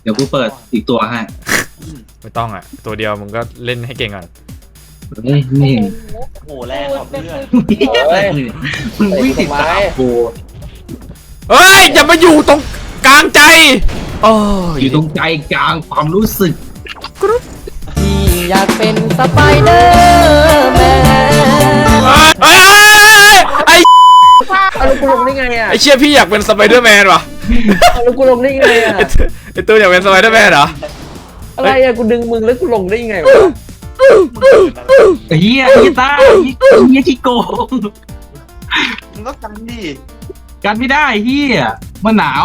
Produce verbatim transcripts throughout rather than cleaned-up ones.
เดี๋ยวกูเปิดอีกตัวให้ไม่ต้องอ่ะตัวเดียวมึงก็เล่นให้เก่งก่อนเฮ้ยนี่โหแรงขอบเพื่อนมึงวิ่งติดตามกูเฮ้ยอย่ามาอยู่ตรงกลางใจโอ้ยอยู่ตรงใจกลางความรู้สึกพี่อยากเป็นสไปเดอร์แมนเฮ้ยไอ้เอาลูกกูลงได้ไงอ่ะไอ้เชี่ยพี่อยากเป็นสไปเดอร์แมนว่ะเอาลูกกูลงได้ไงอ่ะไอ้ตัวอยากเป็นสไปเดอร์แมนเหรออะไรอ่ะกูดึงมึงแล้วกูลงได้ยังไงวะเฮียกีตาร์เฮียขี้โกงมึงก็กันดิกันไม่ได้เฮียมันหนาว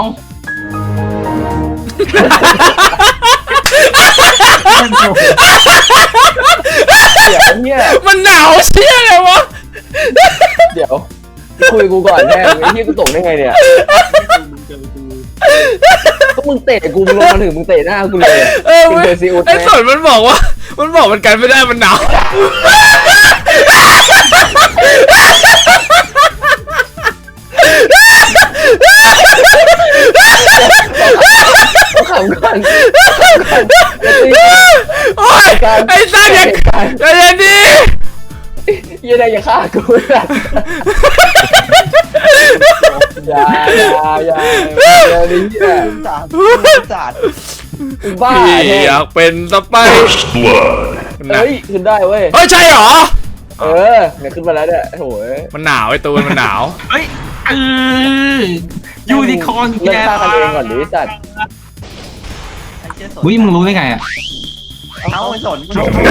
เดี๋ยวเนี่ยมันหนาวเชี่ยเลยวะเดี๋ยวคุยกูก่อนแน่ไอ้ที่กูตกได้ไงเนี่ยมึงเจอกูก็มึงเตะกูมึงลงมาถึงมึงเตะหน้ากูเลยเออมึงเว้ยเจอซีอุดไอ้ไหมสนมันบอกว่ามันบอกมันกันไม่ได้มันหนาวเขาขำก่อนโอ้ยไอ้สัตว์อย่าอย่าอย่าดิยังไงอย่าฆ่ากูนะอย่าอย่าอย่าอย่าดิเนี่ยจัดจัดบ้าพี่แน่อยากเป็นสไปเดอร์เฮ้ยขึ้นได้เว้ยเฮ้ยใช่เหรอเออเนี่ยขึ้นมาแล้วเนี่ยโอ้ยมันหนาวไอ้ตูนมันหนาวเฮ้ยเออยูนิคอร์นเลิกฆ่ากันเองก่อนดิสัตว์ไอ้เชี่ยสนวิ่งมึงรู้ได้ไงอ่ะเอาไอ้สน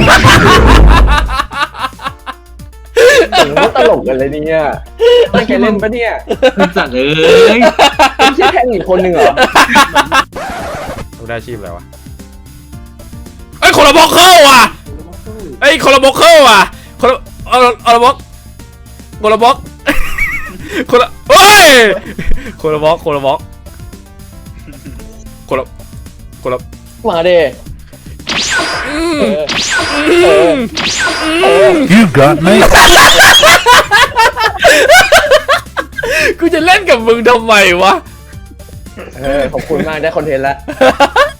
ถึงว่าตลกกันเลยเนี่ยตั้งใจเล่นปะเนี่ยจัดเอ้ยไม่ใช่แค่อีกคนหนึ่งเหรอรู้ได้อาชีพอะไรวะไอ้ยคนละบล็อกเข้าว่ะไอ้ยคนละบล็อกเข้าว่ะคนละเอาเอาละบล็อกคนละบล็อกคนละเฮ้ยคนละบล็อกคนละบล็อกคนละคนละมาดิอืมเออเออเออ You got me. กูจะเล่นกับมึงทำไมวะเออขอบคุณมากได้คอนเทนต์แล้ว